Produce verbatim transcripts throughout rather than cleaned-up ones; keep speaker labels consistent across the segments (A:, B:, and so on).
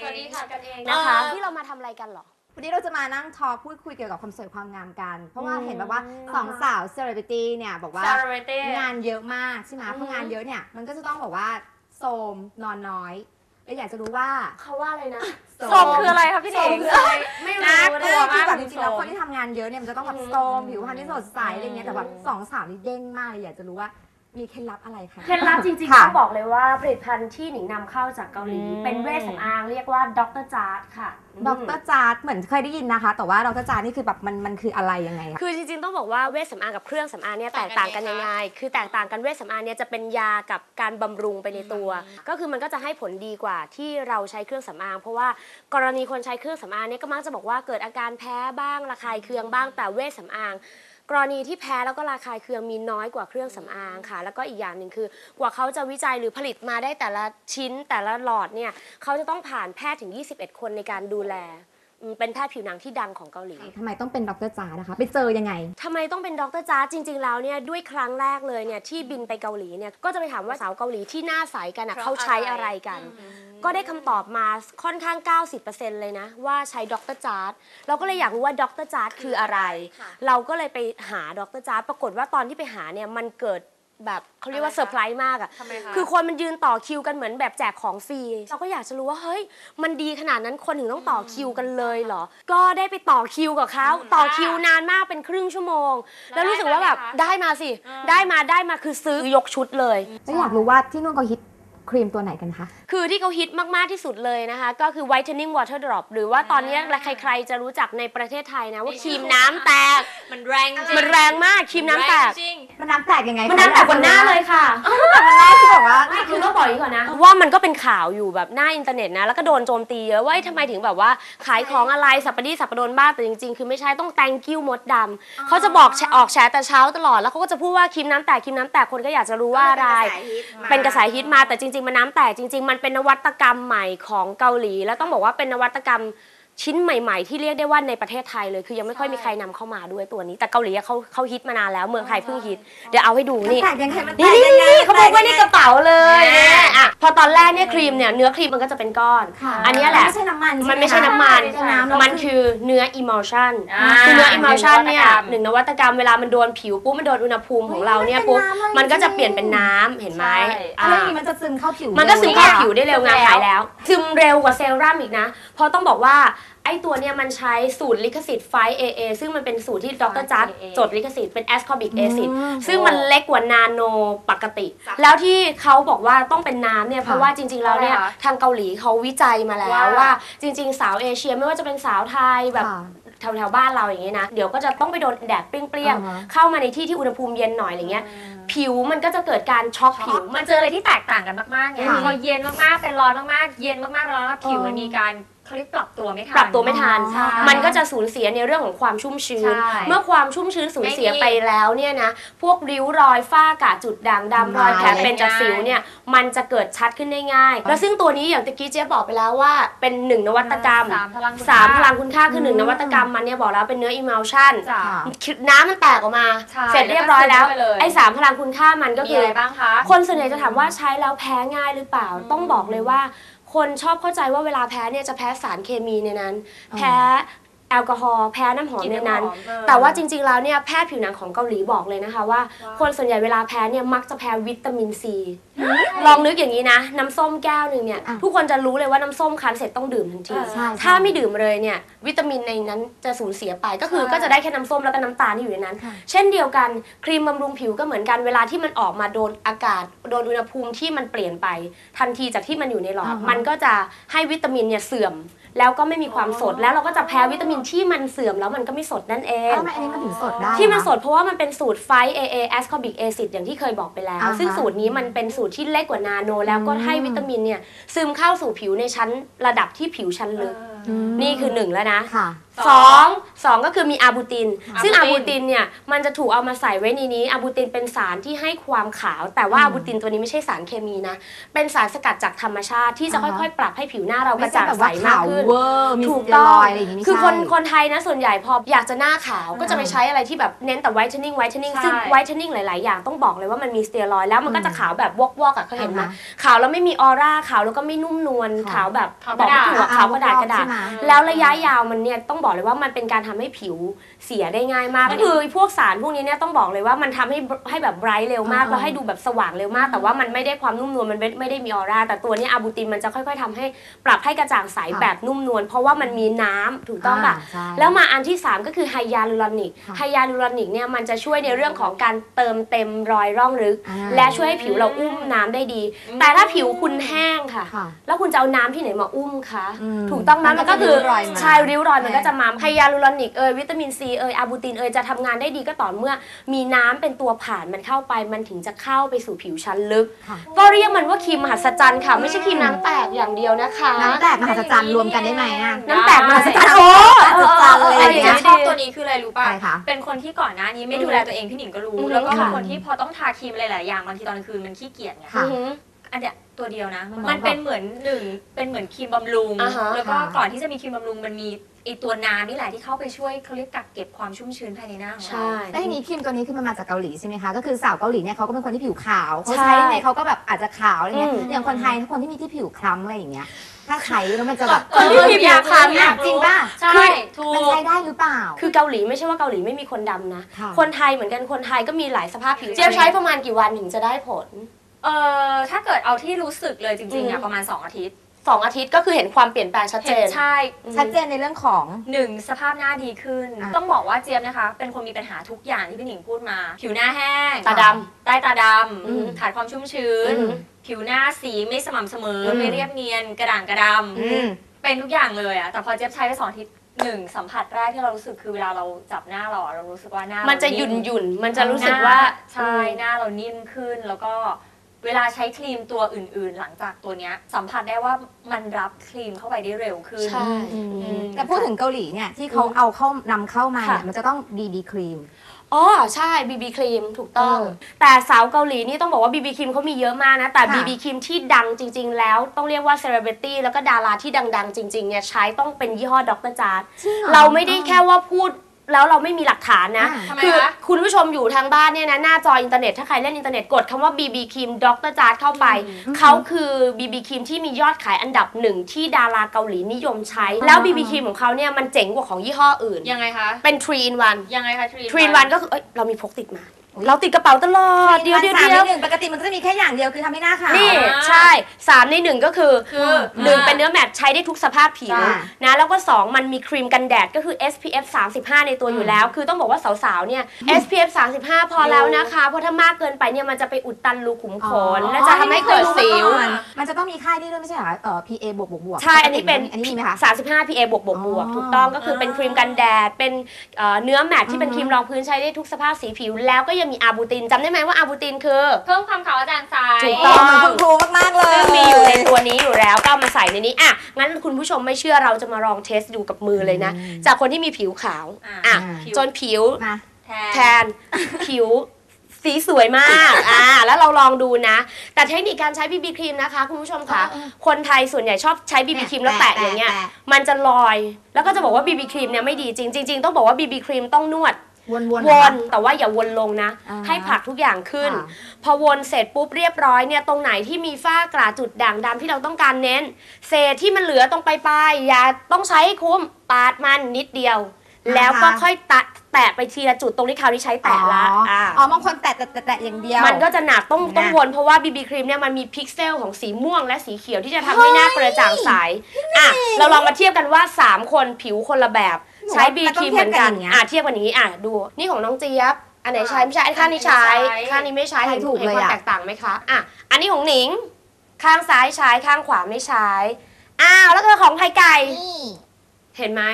A: วัสดีค่ะกันเองนะคะที่เรามาทำอะไรกันหรอ
B: วันนี้เราจะมานั่งทอล์คพูดคุยเกี่ยวกับความสวยความงามกันเพราะว่าเห็นแบบว่าสองสาวเซเลบริตี้เนี่ยบอกว่างานเยอะมากใช่ไหมเพราะงานเยอะเนี่ยมันก็จะต้องบอกว่าโทมนอนน้อยเราอยากจะรู้ว่า
A: เขาว่าอะไรนะ
C: โทมคืออะไรคะพี่เด็ก
A: ไม่รู้
B: ตัวมากจริงๆแล้วคนที่ทำงานเยอะเนี่ยมันจะต้องแบบโทมผิวพรรณที่สดใสอะไรเงี้ยแต่แบบสองสาวนี่เด้งมากเลยอยากจะรู้ว่ามีเคล็ดลับอะไรคะ
A: เคล็ดลับจริงๆต้องบอกเลยว่าผลิตภัณฑ์ที่หนิงนำเข้าจากเกาหลีเป็นเวชสำอางเรียกว่าด็อกเตอร์จาร์ดค่ะ
B: ด็อกเตอร์จาร์ดเหมือนเคยได้ยินนะคะแต่ว่าด็อกเตอร์จาร์ดนี่คือแบบมันมันคืออะไรยังไงคะ
A: คือจริงๆต้องบอกว่าเวชสำอางกับเครื่องสำอางเนี่ยแตกต่างกันยังไงคือแตกต่างกันเวชสำอางเนี่ยจะเป็นยากับการบำรุงไปในตัวก็คือมันก็จะให้ผลดีกว่าที่เราใช้เครื่องสำอางเพราะว่ากรณีคนใช้เครื่องสำอางเนี่ยก็มักจะบอกว่าเกิดอาการแพ้บ้างระคายเคืองบ้างแต่เวชสำอางกรณีที่แพ้แล้วก็ระคายเคืองมีน้อยกว่าเครื่องสำอางค่ะแล้วก็อีกอย่างหนึ่งคือกว่าเขาจะวิจัยหรือผลิตมาได้แต่ละชิ้นแต่ละหลอดเนี่ยเขาจะต้องผ่านแพทย์ถึงยี่สิบเอ็ดคนในการดูแลเป็นแพทย์ผิวหนังที่ดังของเกาหลี
B: ทำไมต้องเป็นด็อกเตอร์จาร์ดนะคะไปเจอยังไง
A: ทำไมต้องเป็นด็อกเตอร์จาร์ดจริงๆแล้วเนี่ยด้วยครั้งแรกเลยเนี่ยที่บินไปเกาหลีเนี่ยก็จะไปถามว่าสาวเกาหลีที่หน้าใสกันนะเขาใช้อะไรกันก็ได้คำตอบมาค่อนข้าง เก้าสิบเปอร์เซ็นต์ เลยนะว่าใช้ด็อกเตอร์จาร์ดเราก็เลยอยากรู้ว่าด็อกเตอร์จาร์ดคืออะไรเราก็เลยไปหาด็อกเตอร์จาร์ดปรากฏว่าตอนที่ไปหาเนี่ยมันเกิดแบบเขาเรียกว่าเซอร์ไพรส์มากอ่ะคือคนมันยืนต่อคิวกันเหมือนแบบแจกของฟรีเราก็อยากจะรู้ว่าเฮ้ยมันดีขนาดนั้นคนถึงต้องต่อคิวกันเลยเหรอก็ได้ไปต่อคิวกับเขาต่อคิวนานมากเป็นครึ่งชั่วโมงแล้วรู้สึกว่าแบบได้มาสิได้มาได้มาคือซื้อยกชุดเลย
B: แล้วอยากรู้ว่าที่นู่นเขาฮิตครีมตัวไหนกันคะ
A: คือที่เขาฮิตมากๆที่สุดเลยนะคะก็คือ whitening water drop หรือว่าตอนนี้ใครๆจะรู้จักในประเทศไทยนะว่าครีมน้ำแตก
C: มันแรง
A: มันแรงมากครีมน้ำแตก
B: มันน้ำแตกยังไง
A: มันน้ำแตกบนหน้าเลยค่ะ
B: แต่มันหน้าที่แบบว่า
A: คือต้องบอกอย่างนี้ก่อนนะว่ามันก็เป็นข่าวอยู่แบบหน้าอินเทอร์เน็ตนะแล้วก็โดนโจมตีเยอะว่าทำไมถึงแบบว่าขายของอะไรสัปปะรดสัปปะรดบ้างแต่จริงๆคือไม่ใช่ต้อง thank you มดดำเขาจะบอกออกแฉแต่เช้าตลอดแล้วเขาก็จะพูดว่าครีมน้ำแตกครีมน้ำแตกคนก็อยากจะรู้ว่าอะไรเป็นกระแสฮิตมาแต่จริงๆมันน้ำแตกจริงมันเป็นนวัตกรรมใหม่ของเกาหลีแล้วต้องบอกว่าเป็นนวัตกรรมชิ้นใหม่ๆที่เรียกได้ว่าในประเทศไทยเลยคือยังไม่ค่อยมีใครนำเข้ามาด้วยตัวนี้แต่เกาหลีเขาเขาฮิตมานานแล้วเมืองไทยเพิ่งฮิตเดี๋ยวเอาให้ดูนี่นี่นี่เขาบอกว่านี่กระเป๋าเลยเนี่ยอ่ะพอตอนแรกเนี่ยครีมเนี่ยเนื้อครีมมันก็จะเป็นก้อนอันนี้แหละ
B: ไม่ใช่น้ำมัน
A: มันไม่ใช่น้ำมันมันคือเนื้อ emulsion คือเนื้อ emulsion เนี่ยหนึ่งนวัตกรรมเวลามันโดนผิวปุ๊บมันโดนอุณหภูมิของเราเนี่ยปุ๊บมันก็จะเปลี่ยนเป็นน้ำเห็นไหม
B: อะไรมันจะซึมเข้าผิว
A: มันก็ซึมเข้าผิวได้เร็วงานหายแล้วซึมเร็วกว่าเซรั่มอีกนะเพราะต้องบอกว่าไอ้ตัวเนี้ยมันใช้สูตรลิขสิทธิ์ ไฟว์ เอ เอ ซึ่งมันเป็นสูตรที่ดรจัดจดลิขสิทธิ์เป็นแอสคอบิกแอซิดซึ่งมันเล็กกว่านาโนปกติแล้วที่เขาบอกว่าต้องเป็นน้ำเนี่ยเพราะว่าจริงๆแล้วเนี่ยทางเกาหลีเขาวิจัยมาแล้วว่าจริงๆสาวเอเชียไม่ว่าจะเป็นสาวไทยแบบแถวๆบ้านเราอย่างนี้นะเดี๋ยวก็จะต้องไปโดนแดดเปรี้ยงๆเข้ามาในที่ที่อุณหภูมิเย็นหน่อยอะไรเงี้ยผิวมันก็จะเกิดการช็อกผิว
C: มันเจออะไรที่แตกต่างกันมากๆไงพอเย็นมากๆเป็นร้อนมากๆเย็นมากๆร้อนมากผิวมันมีการเขาเรียกปรับตัวไม่ทัน
A: ปรับตัวไม่ทันมันก็จะสูญเสียในเรื่องของความชุ่มชื้นเมื่อความชุ่มชื้นสูญเสียไปแล้วเนี่ยนะพวกริ้วรอยฝ้ากระจุดด่างดำรอยแผลเป็นจากสิวเนี่ยมันจะเกิดชัดขึ้นได้ง่ายแล้วซึ่งตัวนี้อย่างตะกี้เจ๊บอกไปแล้วว่าเป็นหนึ่งนวัตกรรมสามพลังคุณค่าคือหนึ่งนวัตกรรมมันเนี่ยบอกแล้วเป็นเนื้อ emulsion น้ำมันแตกออกมาเสร็จเรียบร้อยแล้วไอ้สามพลังคุณค่ามันก็คือคนส่วนใหญ่จะถามว่าใช้แล้วแพ้ง่ายหรือเปล่าต้องบอกเลยว่าคนชอบเข้าใจว่าเวลาแพ้เนี่ยจะแพ้สารเคมีในนั้นแพ้แอลกอฮอล์แพ้น้ำหอมในนั้นแต่ว่าจริงๆแล้วเนี่ยแพทย์ผิวหนังของเกาหลีบอกเลยนะคะว่าคนส่วนใหญ่เวลาแพ้เนี่ยมักจะแพ้วิตามินซีลองนึกอย่างนี้นะน้ำส้มแก้วหนึ่งเนี่ยทุกคนจะรู้เลยว่าน้ำส้มคั้นเสร็จต้องดื่มทันทีถ้าไม่ดื่มเลยเนี่ยวิตามินในนั้นจะสูญเสียไปก็คือก็จะได้แค่น้ำส้มแล้วก็น้ำตาลที่อยู่ในนั้นเช่นเดียวกันครีมบำรุงผิวก็เหมือนกันเวลาที่มันออกมาโดนอากาศโดนอุณหภูมิที่มันเปลี่ยนไปทันทีจากที่มันอยู่ในหลอดมันก็จะให้วิตามินเนี่ยเสื่อมแล้วก็ไม่มีความสดแล้วเราก็จะแพ้วิตามินที่มันเสื่อมแล้วมันก็ไม่สดนั่นเอง
B: ทำไมอันนี้มันถึงสดได้
A: ที่มันสดเพราะว่ามันเป็นสูตร ไฟว์ เอ เอ ascorbic acid อย่างที่เคยบอกไปแล้วซึ่งสูตรนี้มันเป็นสูตรที่เล็กกว่านาโนแล้วก็ให้วิตามินเนี่ยซึมเข้าสู่ผิวในชั้นระดับที่ผิวชั้นลึกนี่คือหนึ่งแล้วนะ
B: ค่ะ
A: สองสองก็คือมีอาบูติน
C: อาบูติน
A: ซึ่งอาบูตินเนี่ยมันจะถูกเอามาใส่ไว้ในนี้อาบูตินเป็นสารที่ให้ความขาว แต่ว่าอาบูตินตัวนี้ไม่ใช่สารเคมีนะเป็นสารสกัดจากธรรมชาติที่จะค่อยๆ ปรับให้ผิวหน้าเรากระจ่างใสมากขึ้น
B: เวอร์มี
A: ถูก
B: สเตีย
A: ต้
B: ร
A: อง
B: อยด์อะไรอย่างงี้ไม่
A: คือ
B: ใช่
A: คนคนไทยนะส่วนใหญ่พออยากจะหน้าขาวก็จะไปใช้อะไรที่แบบเน้นแต่ไวท์เทนนิ่งไวท์เทนนิ่ง
C: ใช่
A: ซึ่งไวท์เทนนิ่งหลายๆอย่างต้องบอกเลยว่ามันมีสเตียรอยด์แล้วมันก็จะขาวแบบวอกวอกๆอะเขาเห็นไหม
B: อ่าฮะ
A: ขาวแล้วไม่มีออร่าขาวแล้วก็ไม่นุ่มนวล
B: ค่ะ
A: ขาวแบบ
C: ขาว
A: บอก
C: กระดาษ
A: ไม่ถูกอะขาวกระดาษกระดาษ
B: ใช่ไหม
A: แล้วระยะยาวมันเนี่ยต้องบอกเลยว่ามันเป็นการทำให้ผิวเสียได้ง่ายมากก็คือพวกสารพวกนี้เนี่ยต้องบอกเลยว่ามันทำให้ให้แบบไบรท์เร็วมาก
B: อ่า
A: แล้วให้ดูแบบสว่างเร็วมาก แต่ว่ามันไม่ได้ความนุ่มนวลมันไม่ไม่ได้มีออร่าแต่ตัวเนี้อาบูตินมันจะค่อยๆทำให้ปรับให้กระจ่างใสแบบนุ่มนวลเพราะว่ามันมีน้ำถูกต้องป่ะ
B: ใช่
A: แล้วมาอันที่ สาม ก็คือไฮยาลูรอนิก
B: ค่ะ
A: ไฮยาลูรอนิกเนี่ยมันจะช่วยในเรื่องของการเติมเต็มรอยร่องลึก
B: อ่า
A: และช่วยให้ผิวเราอุ้มน้ำได้ดี แต่ถ้าผิวคุณแห้งค่ะ
B: ค่ะ
A: แล้วคุณจะเอาน้ำที่ไหนมาอุ้มคะ
B: อืม
A: ถูกต้องไหม
B: มัน
A: มันก็คือ
B: จะริ้วรอยมา
A: ใช่ริ้วรอยมันก็
B: ใช่
A: จะมาไฮยาลูรอนิกเอยวิตามินซีเอยอาบูตินเอยจะทำงานได้ดีก็ต่อเมื่อมีน้ำเป็นตัวผ่านมันเข้าไปมันถึงจะเข้าไปสู่ผิวชั้นลึก
B: ค่ะ
A: ก็เรียกมันว่าครีมมหัศจรรย์ค่ะไม่ใช่ครีมน้ำแตกอย่างเดียวนะคะ
B: น้ำแตกมหัศจรรย์รวมกันได้ไหมอ่ะ
A: น้ำแตกมหัศจรรย์โอ้
B: มหัศจรรย์เลย
C: แต่
B: อย่าง
C: ที่
B: เงี้ย
C: ชอบตัวนี้คืออะไรรู้ป่ะ
B: อะไรคะ
C: เป็นคนที่ก่อนหน้านี้ไม่ดูแลตัวเองพี่หนิงก็รู้
A: อืม
C: แล้วก็เป็น
B: ค่ะ
C: คนที่พอต้องทาครีมอะไรหลายอย่างบางทีตอนกลางคืนมันขี้เกียจไง
B: ค่ะ
A: อือหือ
C: อันเนี้ยตัวเดียวนะ
B: มัน
C: มันเป็นเหมือนหนึ่งเป็นเหมือนครีมบำรุง
A: อ่าฮะ
C: แล้วก็
B: ค่ะ
C: ก่อนที่จะมีครีมบำรุงมันมีไอตัวน้ำนี่แหละที่เข้าไปช่วยเขาเรียกกักเก็บความชุ่มชื้นภายในหน้าของเรา
A: ใช่
B: แล้วทีนี้ครีมตัวนี้คือมันมาจากเกาหลีใช่ไหมคะ ก็คือสาวเกาหลีเนี่ยเขาก็เป็นคนที่ผิวขาวเขา
A: ใช่
B: ใช้ยังไงเขาก็แบบอาจจะขาวอะไรเงี้ย
A: อืม
B: อย่างคนไทยคนที่มีที่ผิวคล้ำอะไรอย่างเงี้ย ถ้าใช้แล้วมันจะแบบ
A: คนที่มีผิวคล้ำ
B: อ่ะจริงป่ะ
C: ใช่ถู
B: มัน
C: ก
B: ใช้ได้หรือเปล่า
A: คือเกาหลีไม่ใช่ว่าเกาหลีไม่มีคนดำนะ
B: ค่ะ
A: คนไทยเหมือนกันคนไทยก็มีหลายสภาพผิวเจี๊ยบใช้ประมาณกี่วันถึงจะได้ผล
C: เอ่อถ้าเกิดเอาที่รู้สึกเลยจริงๆ
A: อื
C: อ่ะ
A: ม
C: ประมาณสองอาทิตย์
A: สองอาทิตย์ก็คือเห็นความเปลี่ยนแปลงชัดเจ
C: เห็น
A: น
C: ใช่
B: ชัดเจนในเรื่องของ
C: หนึ่งสภาพหน้าดีขึ้น
B: อ่ะ
C: ต้องบอกว่าเจี๊ยบนะคะ เป็นคนมีปัญหาทุกอย่างที่พี่หนิงพูดมา ผิวหน้าแห้ง
A: ตาด
C: ใต้ตาด
A: อืม
C: ำขาดความชุ่มชื้น
A: อืม
C: ผิวหน้าสีไม่สม่ำเสมออ
B: ม
C: ไม่เรียบเนียนกระด่างกระด
B: อืม
C: ำเป็นทุกอย่างเลยอะแต่พอเจี๊ยบใช้ไปสองอาทิตย์หนึ่งสัมผัสแรกที่เรารู้สึกคือเวลาเราจับหน้าเราอะเรารู้สึกว่าหน้า
A: มั
C: มัน
A: จะหยุ่นหยุ่นๆมันจะรู้สึกว่า
C: ใช่หน้าเรานิ่มขึ้นแล้วก็เวลาใช้ครีมตัวอื่นๆ หลังจากตัวเนี้ยสัมผัสได้ว่ามันรับครีมเข้าไปได้เร็วขึ้น
A: ใช่
B: อืม
C: อืม
B: แต่พูดถึงเกาหลีเนี่ยที่เขาเอาเข้านำเข้ามาเนี่ย
A: ค่ะ
B: มันจะต้อง บี บี ครีม
A: อ๋อใช่ บี บี ครีมถูกต้อง
B: เออ
A: แต่สาวเกาหลีนี่ต้องบอกว่า บี บี ครีมเขามีเยอะมากนะ แต่
B: ค่ะ
A: บี บี ครีมที่ดังจริง ๆ แล้วต้องเรียกว่าเซเลบริตี้แล้วก็ดาราที่ดัง ๆ จริง ๆ เนี่ยใช้ต้องเป็นยี่ห้อดรจาร์ด
B: จริงหอ
A: เราไม่ได้แค่ว่าพูดแล้วเราไม่มีหลักฐานนะ
B: อ่า
C: ทำไม
A: คือ
C: คะ
A: คุณผู้ชมอยู่ทางบ้านเนี่ยนะหน้าจออินเทอร์เน็ตถ้าใครเล่นอินเทอร์เน็ตกดคำว่า บี บี ครีมดรจาร์ดเข้าไป
B: อืม
A: เขาคือ บี บี ครีมที่มียอดขายอันดับหนึ่งที่ดาราเกาหลีนิยมใช้ แล้ว บี บี ครีมของเขาเนี่ยมันเจ๋งกว่าของยี่ห้ออื่น
C: ยังไงคะ
A: เป็น ทรี อิน วัน
C: ยังไงคะทรี
A: ทรี อิน วันก็คือเอ้ยเรามีพกติดมา เราติดกระเป๋าตลอด เดียวเดียว
B: สาม
A: เดียว
B: ในหนึ่งปกติมันก็จะมีแค่อย่างเดียวคือทำให้หน้าขาว
A: นี่
C: อ่า
A: ใช่สามในหนึ่งก็คือ
C: คือ
A: หนึ่ง
C: อ่า
A: เป็นเนื้อแมตต์ใช้ได้ทุกสภาพผิว
B: จ้ะ
A: นะแล้วก็สองมันมีครีมกันแดดก็คือ เอส พี เอฟ สามสิบห้า ในตัวอยู่แล้ว คือต้องบอกว่าสาวๆเนี่ย เอส พี เอฟ สามสิบห้า พอแล้วนะคะเพราะถ้ามากเกินไปเนี่ยมันจะไปอุดตันรูขุมขนและจะทำให้เกิดสิว
B: มันจะต้องมีค่ายนี่ด้วยไม่ใช่เหรอเอ่อ พี เอ บวกบวกบวก
A: ใช่ อันนี้เป็น
B: อันนี้มีไหมคะ
A: สามสิบห้า พี เอ บวกบวกบวก
B: อ๋อ
A: ถูกต้องก็คือเป็นครีมกันแดด เป็นเอ่อเนื้อแมตต์ที่เป็น
B: อือ
A: ค
B: ฮึ
A: รีมรองพื้นใช้ได้ทุกสภาพสีผิว แล้วก็ยังมีอาบูตินจำได้ไหมว่าอาบูตินคือ
C: เพิ่มความขาวกระจ่างใส
A: ถูก
B: ต่
A: ต้
B: อ
A: อง
B: มาคุณครูมากๆเลย
A: ซึ่งมีอยู่ในตัวนี้อยู่แล้วก็เอามาใส่ในนี้อ่ะงั้นคุณผู้ชมไม่เชื่อเราจะมาลองเทสดูกับมือเลยนะ
B: อืม
A: จากคนที่มีผิวขาว
C: อ่ะ
A: อ่ะ
C: ผิว
A: จนผิว
B: มา
C: แทน
A: แทน ผิวสีสวยมากอ่าแล้วเราลองดูนะ แต่เทคนิคการใช้ บี บี ครีมนะคะคุณผู้ชมค่ะ
B: เออ
A: คนไทยส่วนใหญ่ชอบใช้ บี บี ครีมแล้วแตะอย่างเงี้ยมันจะลอย แล้วก็จะบอกว่า บี บี ครีมเนี่ยไม่ดีจริงจริงๆต้องบอกว่า บี บี ครีมต้องนวด
B: วนๆ
A: ว
B: เหรอน
A: แต่ว่าอย่าวนลงนะ
B: อ่า
A: ให้ผลักทุกอย่างขึ้น
B: ค่ะ
A: พอวนเสร็จปุ๊บเรียบร้อยเนี่ยตรงไหนที่มีฝ้ากระจุดด่างดำที่เราต้องการเน้น เศษที่มันเหลือตรงปลายๆอย่าต้องใช้ให้คุ้มปาดมันนิดเดียว
B: อ่าฮะ
A: แล้วก็ค่อยตะแตะไปทีละจุดตรงที่คราวนี้ใช้แตะละ
B: อ๋ออ่
A: า
B: อ๋อบางคนแตะแตะแตะแตะอย่างเดียว
A: มันก็จะหนักต้อง
B: นะ
A: ต้องวนเพราะว่า บี บี ครีมเนี่ยมันมีพิกเซลของสีม่วงและสีเขียวที่จะทำให้หน้ากระจ่างใสอ่ะเราลองมาเทียบกันว่าสามคนผิวคนละแบบใช้ บี บี ครีมเหมือนกันอ่ะเทียบกันอย่างนี้อ่ะดูนี่ของน้องเจี๊ยบอันไหนใช้ไม่ใช้ข้างนี้ใช้ข้างนี้ไม่ใช้
B: ใช้
A: เห็น
B: ถูก
A: เห็น
B: เลย
A: ความ
B: อะ
A: แตกต่างไหมคะอ่ะอันนี้ของหนิงข้างซ้ายใช้ข้างขวาไม่ใช้อ้าวแล้วก็ของไข่ไก่
B: นี่
A: เห็นไหม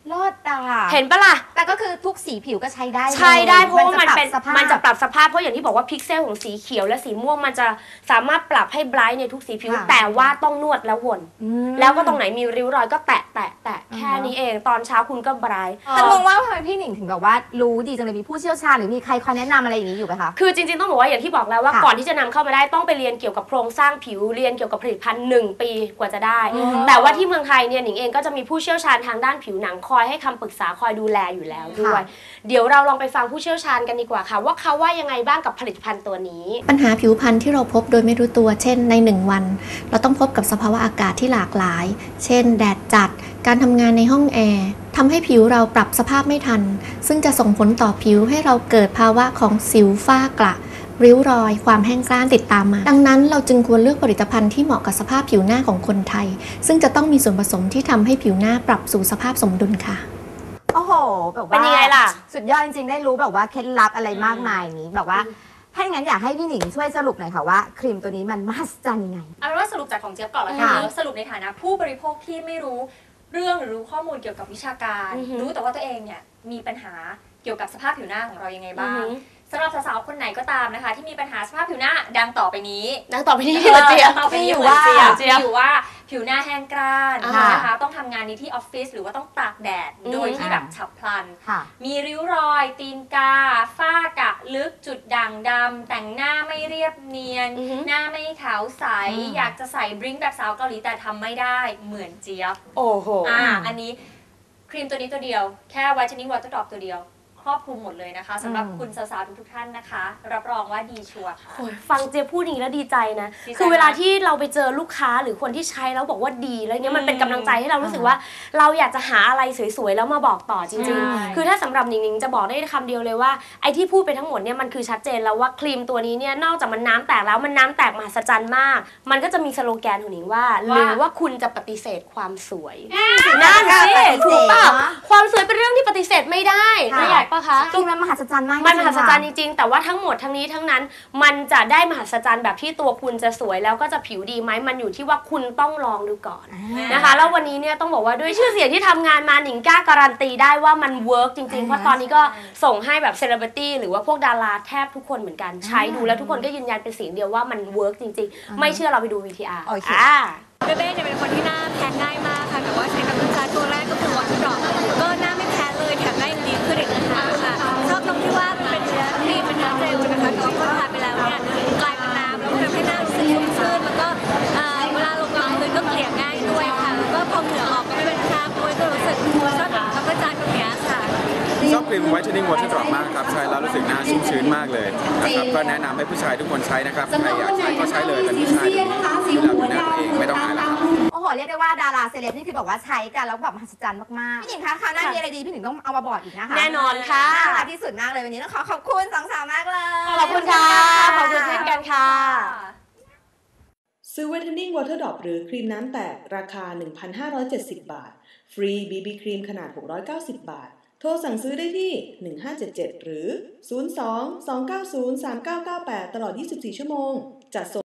B: รอดตา
A: เห็นปะล่ะ
B: แต่ก็คือทุกสีผิวก็ใช้ได้
A: ใช้ได้เพราะว่ามันเป็น
B: มั
A: มันจะปรับสภาพเพราะอย่างที่บอกว่าพิกเซลของสีเขียวและสีม่วงมันจะสามารถปรับให้ไบรท์ในทุกสีผิวแต่ว่าต้องนวดแล้ววนแล้วก็ตรงไหนมีริ้วรอยก็แตะแตะแตะแค่นี้เองตอนเช้าคุณก็ไบรท์
B: แต่งงว่าทำไมพี่หนิงถึงแบบว่ารู้ดีจังเลยมีผู้เชี่ยวชาญหรือมีใครคอยแนะนำอะไรอย่างนี้อยู่ไหมคะ
A: คือจริงๆต้องบอกว่าอย่างที่บอกแล้วว่าก่อนที่จะนำเข้ามาได้ต้องไปเรียนเกี่ยวกับโครงสร้างผิวเรียนเกี่ยวกับผลิตภัณฑ์หนึ่งปีกว่าจะได้แต่ว่าที่เมืองไทยเนี่ยหนิงเองก็จะมีผู้เชี่ยวชาญทางด้านผิวหนังคอยให้คำปรึกษาคอยดูแลอยู่แล้วด้วยเดี๋ยวเราลองไปฟังผู้เชี่ยวชาญกันดีกว่าค่ะว่าเขาว่ายังไงบ้างกับผลิตภัณฑ์ตัวนี้
D: ปัญหาผิวพรรณที่เราพบโดยไม่รู้ตัวเช่นในหนึ่งวันเราต้องพบกับสภาวะอากาศที่หลากหลายเช่นแดดจัดการทำงานในห้องแอร์ทำให้ผิวเราปรับสภาพไม่ทันซึ่งจะส่งผลต่อผิวให้เราเกิดภาวะของสิวฝ้ากระริ้วรอยความแห้งกร้านติดตามมาดังนั้นเราจึงควรเลือกผลิตภัณฑ์ที่เหมาะกับสภาพผิวหน้าของคนไทยซึ่งจะต้องมีส่วนผสมที่ทำให้ผิวหน้าปรับสู่สภาพสมดุลค่ะ
B: โอ้โหแบบว่า
A: เป็นยังไงล่ะ
B: สุดยอดจริงๆได้รู้แบบว่าเคล็ดลับอะไรมากมายนี้แบบว่าถ้าอย่างนั้นอยากให้พี่หนิงช่วยสรุปหน่อยค่ะว่าครีมตัวนี้มันมหัศจรรย์ยังไง
C: เอาเป็นว่าสรุปจากของเจี๊ยบก่อนแล้วกันสรุปในฐานะผู้บริโภคที่ไม่รู้เรื่องหรือรู้ข้อมูลเกี่ยวกับวิชาการรู้แต่ว่าตัวเองเนี่ยมีปัญหาเกี่ยวกับสภาพผิวหน้าของเรายังไงบ้างสำหรับสาวๆคนไหนก็ตามนะคะที่มีปัญหาสภาพผิวหน้าดังต่อไปนี้
A: ดังต่อไปนี้ที่เจี๊ยบ
C: ต่อไปนี้ว่าอยู่ว่าผิวหน้าแห้งกร้านนะคะต้องทำงานนี้ที่ออฟฟิศหรือว่าต้องตากแดดโดยที่แบบฉับพลันมีริ้วรอยตีนกาฝ้ากระลึกจุดด่างดำแต่งหน้าไม่เรียบเนียนหน้าไม่ขาวใสอยากจะใส่บลิ้งแบบสาวเกาหลีแต่ทำไม่ได้เหมือนเจี๊ยบ
A: โอ้โห
C: อ่าอันนี้ครีมตัวนี้ตัวเดียวแค่ Whitening Water Drop ตัวเดียวครอบคลุมหมดเลยนะคะสำหรับคุณสาวๆทุกๆท่านนะคะรับรองว่าดีชัวร์ค่ะ
A: ฟังเจี๊ยบพูดอย่างนี้แล้วดีใจนะคือเวลาที่เราไปเจอลูกค้าหรือคนที่ใช้แล้วบอกว่าดีแล้วเนี้ยมันเป็นกำลังใจให้เรารู้สึกว่าเราอยากจะหาอะไรสวยๆแล้วมาบอกต่อจริงๆคือถ้าสำหรับหนิงๆจะบอกได้คำเดียวเลยว่าไอ้ที่พูดไปทั้งหมดเนี่ยมันคือชัดเจนแล้วว่าครีมตัวนี้เนี่ยนอกจากมันน้ำแตกแล้วมันน้ำแตกมหัศจรรย์มากมันก็จะมีสโลแกนของหนิงว่าหรือว่าคุณจะปฏิเสธความสวยนั่นสิถูกป่ะความสวยเป็นเรื่องที่ปฏิเสธไม่ได้ไม่อยากปะคะ
B: จริงมันมหัศจรรย์มาก
A: มันมหัศจรรย์จริงๆแต่ว่าทั้งหมดทั้งนี้ทั้งนั้นมันจะได้มหัศจรรย์แบบที่ตัวคุณจะสวยแล้วก็จะผิวดีไหมมันอยู่ที่ว่าคุณต้องลองดูก่อนนะคะแล้ววันนี้เนี่ยต้องบอกว่าด้วยชื่อเสียงที่ทำงานมาหนิงกล้าการันตีได้ว่ามันเวิร์กจริงๆเพราะตอนนี้ก็ส่งให้แบบเซเลบริตี้หรือว่าพวกดาราแทบทุกคนเหมือนกันใช้ดูแล้วทุกคนก็ยืนยันเป็นเสียงเดียวว่ามันเวิร์กจริงๆไม่เชื่อเราไปดู วี ที อาร์ อ่า
E: เบเบ้เนี่ยเป็นคนที่หน้าแพ้ง่ายมากค่ะแต่ว่าใช้กับลูกค้าตัวแรกก็คือวอเตอร์ดรอปก็หน้าไม่แพ้เลยแถมหน้ายังดีขึ้นอีกนะคะค่ะชอบตรงที่ว่ามันเป็นเนื้อครีมเป็นเนื้อเจลนะคะแต่ว่าพอทาไปแล้วเนี่ยกลายเป็นน้ำแล้วก็ทำให้หน้ารู้สึกชุ่มชื่นแล้วก็เวลาลงรองพื้นก็เกลี่ยง่ายด้วยค่ะแล้วก็พอเหงื่อออกก็ไม่เป็นคราบด้วยก็รู้สึกชอบกับกระจายตรงนี้ค่ะ
F: ชอบครีม Whitening Water Drop มากครับใช้แล้วรู้สึกหน้าชุ่มชื้นมากเลยนะครับก็แนะนำให้ผู้ชายทุกคนใช้นะครับใครอยากใช้ก็ใช้เลยเป็นผู้ชายดูแลดูหน้าตัวเองไม่ต้องอายแล้วครับ
B: โอ้โหเรียกได้ว่าดาราเซเลบนี่คือบอกว่าใช้กันแล้วแบบมหัศจรรย์มากๆพี่หนิงคะคราวหน้ามีอะไรดีพี่หนิงต้องเอามาบอกอีกนะคะ
A: แน่นอนค่ะ
B: น่ารักที่สุดมากเลยวันนี้ต้องขอขอบคุณสองสาวมากเลย
A: ขอบคุณค่ะขอบคุณเช่นกันค่ะ
G: ซื้อ Whitening Water Drop หรือครีมน้ำแตกราคา หนึ่งพันห้าร้อยเจ็ดสิบ บาทฟรี บี บี ครีมขนาดหกร้อยเก้าสิบบาทโทรสั่งซื้อได้ที่หนึ่งห้าเจ็ดเจ็ดหรือศูนย์ สอง สอง เก้า ศูนย์ สาม เก้า เก้า แปดตลอดยี่สิบสี่ชั่วโมงจัดส่ง